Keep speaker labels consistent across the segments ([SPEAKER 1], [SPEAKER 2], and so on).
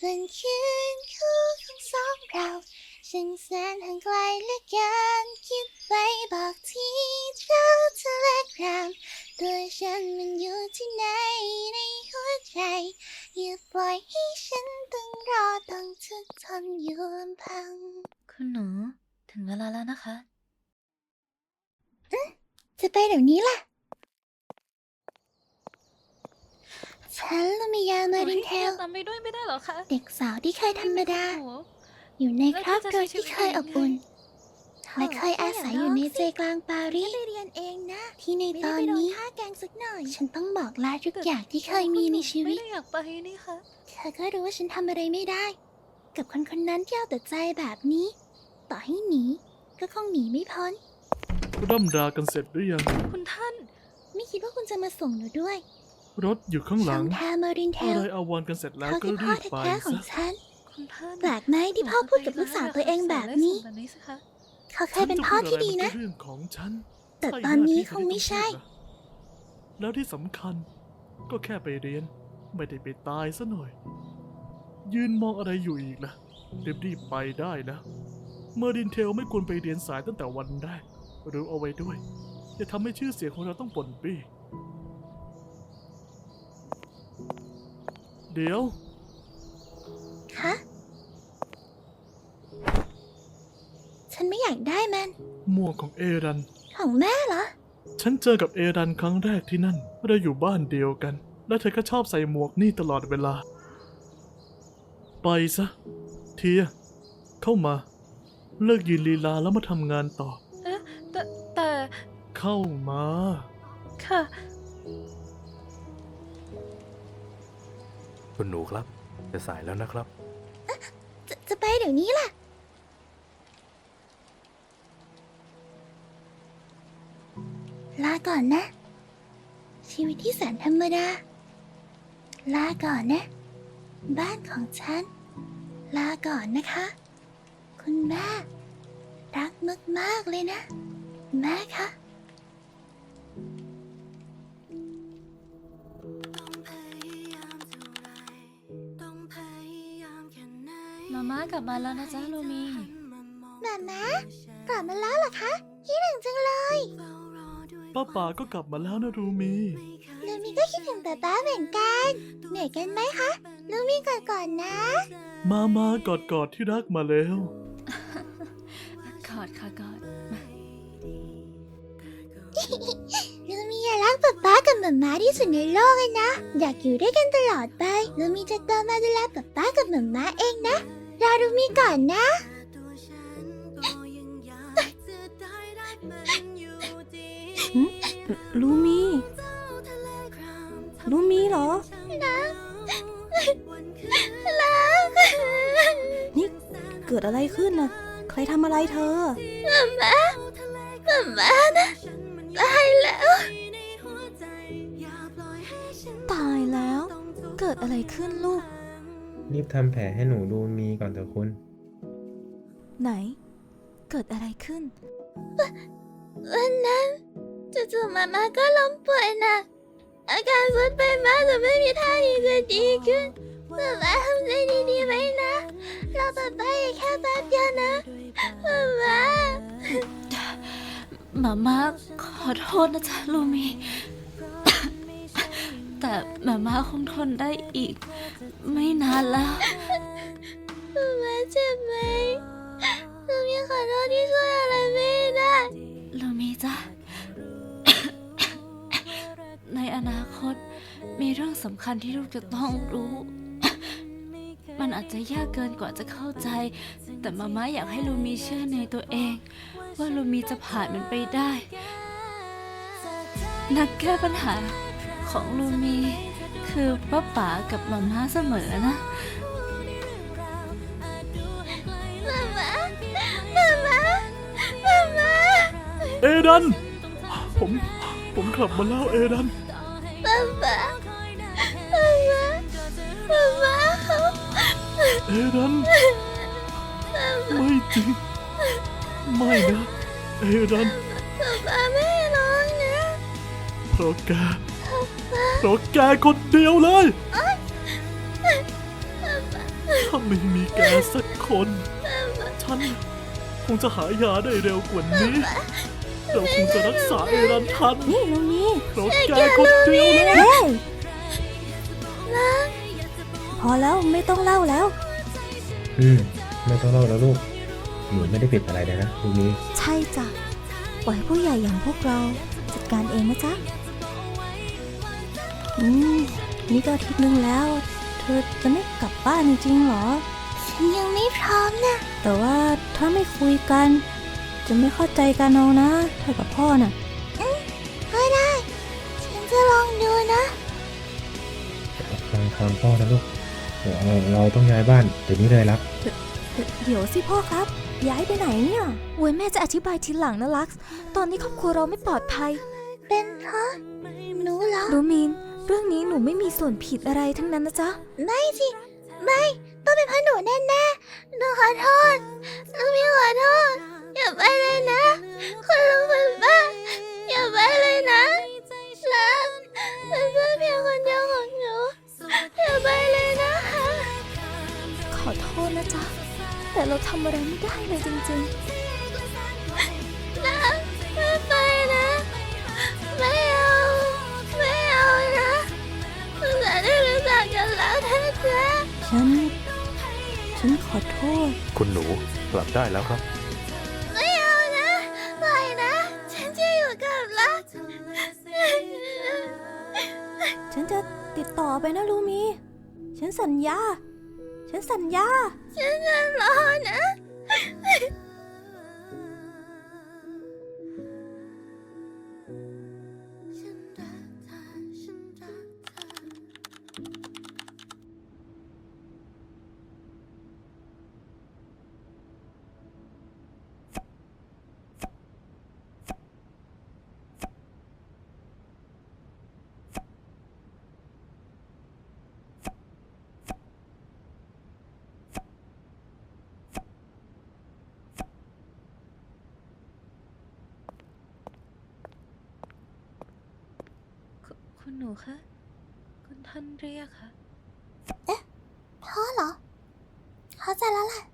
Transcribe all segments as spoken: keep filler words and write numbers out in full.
[SPEAKER 1] เป็นคืนคู่ของสองเราช่างแสนห่างไกลเหลือเกินคิดไปบอกที่เจ้าทะเลครามตัวฉันมันอยู่ที่ไหนในหัวใจอย่าปล่อยให้ฉันต้องรอต้องทุกข์ทนอยู่ลำพัง
[SPEAKER 2] คุณหนูถึงเวลาแล้วนะคะ
[SPEAKER 1] อืมจะไปเดี๋ยวนี้ล่ะฉันลูมิยามารินเทล
[SPEAKER 2] ตามไปด้วยไม่ได้หรอคะ
[SPEAKER 1] เด็กสาวที่เคยธรรมดา อยู่ในครอบครัวที่เคยอบอุ่นและเคยอาศัยอยู่ในใจกลางปารีสที่ในตอนนี้ฉันต้องบอกลาทุกอย่างที่เคยมีในชีวิต
[SPEAKER 2] ไม่ได้อยากไปนี่ค่ะ
[SPEAKER 1] เธอก็รู้ว่าฉันทำอะไรไม่ได้ กับคนคนนั้นที่เอาแต่ใจแบบนี้ ต่อให้หนีก็คงหนีไม่พ้น
[SPEAKER 3] ร่ำรากันเสร็จหรือยัง
[SPEAKER 2] คุณท่าน
[SPEAKER 1] ไม่คิดว่าคุณจะมาส่งหนูด้วย
[SPEAKER 3] รถอยู่ข้างห
[SPEAKER 1] ช่
[SPEAKER 3] ลั
[SPEAKER 1] อง งทามารินเท
[SPEAKER 3] อะ
[SPEAKER 1] ล
[SPEAKER 3] ไรอาวรณ์กันเสร็จแล้ว
[SPEAKER 1] เขา
[SPEAKER 3] ก็
[SPEAKER 1] คือพ่
[SPEAKER 3] รี
[SPEAKER 1] อบ
[SPEAKER 3] ไป
[SPEAKER 1] แท้ๆของ
[SPEAKER 3] ซะ
[SPEAKER 1] ฉัน
[SPEAKER 2] คุณท่าน
[SPEAKER 1] แปลกไหมที่พ่อพูดกับลูกสาวตัวเองแบบนี้
[SPEAKER 2] แบบนี้สิคะ
[SPEAKER 1] เขาเคยเป็นพ่อที่ดีนะ
[SPEAKER 3] ฉัจพูอไรมัก็เรื่องของฉัน
[SPEAKER 1] แต่ตอนนี้คงไม่ใช่
[SPEAKER 3] แล้วที่สำคัญก็แค่ไปเรียน ไม่ได้ไปตายซะหน่อย ยืนมองอะไรอยู่อีกล่ะรีบๆไปได้นะเมอร์ดินเทลไม่ควรไปเรียนสายตั้งแต่วันแรกรู้เอาไว้ด้วยอย่าทำให้ชื่อเสียงของเราต้องป่นปี้เดี๋ยว
[SPEAKER 1] คะ ฉันไม่อยากได้มัน
[SPEAKER 3] หมวกของเอรัน
[SPEAKER 1] ของแม่เหรอ
[SPEAKER 3] ฉันเจอกับเอรันครั้งแรกที่นั่นเราอยู่บ้านเดียวกัน และเธอก็ชอบใส่หมวกนี่ตลอดเวลา ไปซะ เทีย เข้ามา เลิกยืนลีลาแล้วมาทำงานต่อ
[SPEAKER 2] เอ๊ะแต่แต่
[SPEAKER 3] เข้ามา
[SPEAKER 2] ค่ะ
[SPEAKER 4] คุณหนูครับ จะสายแล้วนะครับ
[SPEAKER 1] จะจะไปเดี๋ยวนี้ล่ะ ลาก่อนนะ ชีวิตที่แสนธรรมดา ลาก่อนนะ บ้านของฉัน ลาก่อนนะคะ คุณแม่ รักมากๆเลยนะ แม่คะ
[SPEAKER 2] มาม่ากลับมาแล้วนะจ๊ะลูมี
[SPEAKER 1] แม่แม่กลับมาแล้วเหรอคะคิดถึงจังเลย
[SPEAKER 3] ป้าป๋าก็กลับมาแล้วนะรูมี
[SPEAKER 1] ลูมี่ก็คิดถึงป๊าป๊าเหมือนกันเหนื่อยกันไหมคะลูมี่ก่อนก่อนนะ
[SPEAKER 3] มามากอดกอดที่รักมาแล้ว
[SPEAKER 2] กอดค่ะกอด
[SPEAKER 1] ลูมี่อยากรักป๊าป๊ากับหม่าม้าที่สุดในโลกเลยนะ อยากอยู่ด้วยกันตลอดไปลูมี่จะโตมาดูแลป๊าป๊ากับหม่าม้าเองนะรอลูมี่ก่อนนะ
[SPEAKER 5] ลูมีลูมีเหรอ นี่เกิดอะไรขึ้นน่ะ ใครทำอะไรเธอ
[SPEAKER 1] หม่าม้าหม่าม้านะตายแล้ว
[SPEAKER 5] ตายแล้ว เกิดอะไรขึ้นลูก
[SPEAKER 6] รีบทำแผลให้หนูดูมีก่อนเถอะคุณ
[SPEAKER 5] ไหน เกิดอะไรขึ้น
[SPEAKER 1] วันนั้นจู่ๆหม่าม้าก็ล้มป่วยหนักอาการทรุดไปมากจนไม่มีท่าทีจะดีขึ้นหม่าม้าทำใจดีๆไว้นะรอป๊าป๊าอีกแค่แป๊บเดียวนะหม่าม้า
[SPEAKER 2] มาม่าขอโทษนะจ๊ะลูมี แต่มาม่าคงทนได้อีก ไม่นานแล้ว
[SPEAKER 1] หม่าม้าเจ็บไหมลูมี่ขอโทษที่ช่วยอะไรไม่ได้
[SPEAKER 2] ลูมีจ้ะ ในอนาคตมีเรื่องสำคัญที่ลูกจะต้องรู้ มันอาจจะยากเกินกว่าจะเข้าใจ แต่มาม่าอยากให้ลูมีเชื่อในตัวเอง ว่าลูมีจะผ่านมันไปได้ นักแก้ปัญหาของลูมี คือป้าป๋ากับมาม่าเสมอนะ
[SPEAKER 1] หม่าม้าหม่าม้าหม่าม้า
[SPEAKER 3] เอรัน ผม ผมกลับมาแล้วเอรัน
[SPEAKER 1] ป๊าป๊าป๊าป๊าป๊าป๊าเขา
[SPEAKER 3] เอรัน ไม่จริง ไม่นะ เอรัน
[SPEAKER 1] ป๊าป๊าไม่ร้องนะ
[SPEAKER 3] เพราะแกเพราะแกคนเดียวเลย
[SPEAKER 1] ป๊าป๊า
[SPEAKER 3] ถ้าไม่มีแกสักคน ฉันคงจะหายาได้เร็วกว่านี้ เราคงจะรักษาเอรันทัน
[SPEAKER 5] นี่ลูมี
[SPEAKER 3] เพราะแกคนเดียวเลย
[SPEAKER 5] เฮ้ยพอแล้วไม่ต้องเล่าแล้ว
[SPEAKER 6] อืม ไม่ต้องเล่าแล้วลูก หนูไม่ได้ผิดอะไรเลยนะลูมี
[SPEAKER 5] ใช่จ้ะปล่อยผู้ใหญ่อย่างพวกเราจัดการเองนะจ๊ะ อืม นี่ก็อาทิตย์นึงแล้ว เธอจะไม่กลับบ้านจริงๆเหรอ
[SPEAKER 1] ฉันยังไม่พร้อมนะ
[SPEAKER 5] แต่ว่าถ้าไม่คุยกัน จะไม่เข้าใจกันเอานะเธอกับพ่อน่ะ
[SPEAKER 1] ก็ได้ ฉันจะลองดูนะ
[SPEAKER 6] ฟังคำพ่อนะลูกเดี๋ยวเราเราต้องย้ายบ้านเดี๋ยวนี้เลยรับ
[SPEAKER 5] เดี๋ยวสิพ่อครับ ย้ายไปไหนเนี่ยโว้ยแม่จะอธิบายทีหลังนะลักซ์ตอนนี้ครอบครัวเราไม่ปลอดภัย
[SPEAKER 1] เป็นเพราะหนูเหรอ
[SPEAKER 5] ดูมีน เรื่องนี้หนูไม่มีส่วนผิดอะไรทั้งนั้นนะจ๊ะ
[SPEAKER 1] ไม่สิ ไม่ ต้องเป็นเพราะหนูแน่ๆหนูขอโทษลูกพี่ขอโทษ อย่าไปเลยนะ คุณลุงคุณป้าอย่าไปเลยนะรักเป็นเพื่อนเพียงคนเดียวของหนู อย่าไปเลยนะคะ
[SPEAKER 5] ขอโทษนะจ๊ะ แต่เราทำอะไรไม่ได้เลยจริง
[SPEAKER 1] นะไม่ไปนะ ไม่เอาไม่เอานะตั้งแต่ได้รู้จักกันแล้วแท้
[SPEAKER 5] ๆ ฉัน ฉันขอโทษ
[SPEAKER 4] คุณหนูกลับได้แล้วครับ
[SPEAKER 1] ๆไม่เอานะปล่อยนะ ฉันจะอยู่กับรัก
[SPEAKER 5] ฉันจะติดต่อไปนะลูมี ฉันสัญญา ฉันสัญญา
[SPEAKER 1] ฉันจะรอนะ ฉันรักเธอฉันรักเธอ
[SPEAKER 2] คุคุณหนูคะ คุณท่านเรียกค่ะ
[SPEAKER 1] พ่อเหรอ เข้าใจแล้วแหละ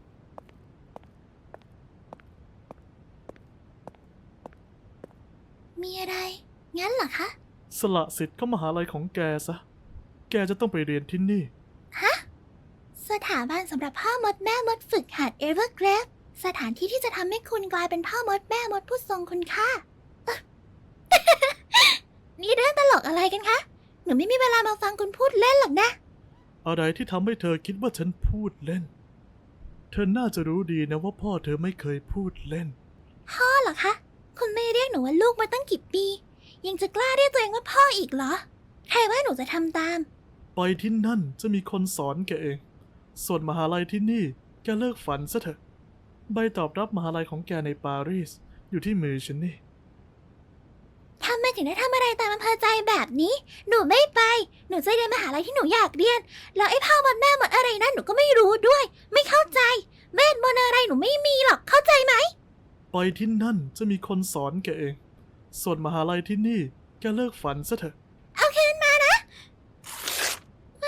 [SPEAKER 1] มีอะไร งั้นเหรอคะ
[SPEAKER 3] สละสิทธิ์เข้ามหาลัยของแกซะ แกจะต้องไปเรียนที่นี่
[SPEAKER 1] สถาบันสำหรับพ่อมดแม่มดฝึกหัดเอเวอร์เกรฟสถานที่ที่จะทำให้คุณกลายเป็นพ่อมดแม่มดผู้ทรงคุณค่า เอ้อ นี่เรื่องตลกอะไรกันคะ หนูไม่มีเวลามาฟังคุณพูดเล่นหรอกนะ
[SPEAKER 3] อะไรที่ทำให้เธอคิดว่าฉันพูดเล่น เธอน่าจะรู้ดีนะว่าพ่อเธอไม่เคยพูดเล่น
[SPEAKER 1] พ่อเหรอคะ คุณไม่เรียกหนูว่าลูกมาตั้งกี่ปี ยังจะกล้าเรียกตัวเองว่าพ่ออีกเหรอ ใครว่าหนูจะทำตาม
[SPEAKER 3] ไปที่นั่นจะมีคนสอนแกเอง ส่วนมหาลัยที่นี่แกเลิกฝันซะเถอะ ใบตอบรับมหาลัยของแกในปารีสอยู่ที่มือฉันนี่
[SPEAKER 1] ทำไมถึงได้ทำอะไรตามอำเภอใจแบบนี้ หนูไม่ไป หนูจะเรียนมหาลัยที่หนูอยากเรียน แล้วไอ้พ่อมดแม่มดอะไรนั่นหนูก็ไม่รู้ด้วย ไม่เข้าใจ เวทมนต์อะไรหนูไม่มีหรอก เข้าใจไหม
[SPEAKER 3] ไปที่นั่นจะมีคนสอนแกเอง ส่วนมหาลัยที่นี่แกเลิกฝันซะเถอะ
[SPEAKER 1] เอาคืนมานะ ไม่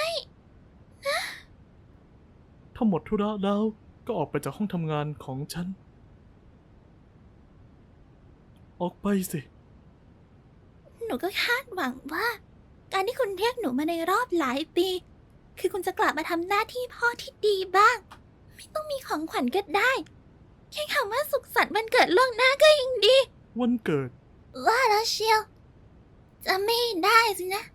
[SPEAKER 3] ถ้าหมดธุระแล้วก็ออกไปจากห้องทำงานของฉัน ออกไปสิ
[SPEAKER 1] หนูก็คาดหวังว่า การที่คุณเรียกหนูมาในรอบหลายปี คือคุณจะกลับมาทำหน้าที่พ่อที่ดีบ้าง ไม่ต้องมีของขวัญก็ได้ แค่คำว่าสุขสันต์วันเกิดล่วงหน้าก็ยังดี
[SPEAKER 3] วันเกิด
[SPEAKER 1] ว่าแล้วเชียว จะไม่ได้สินะ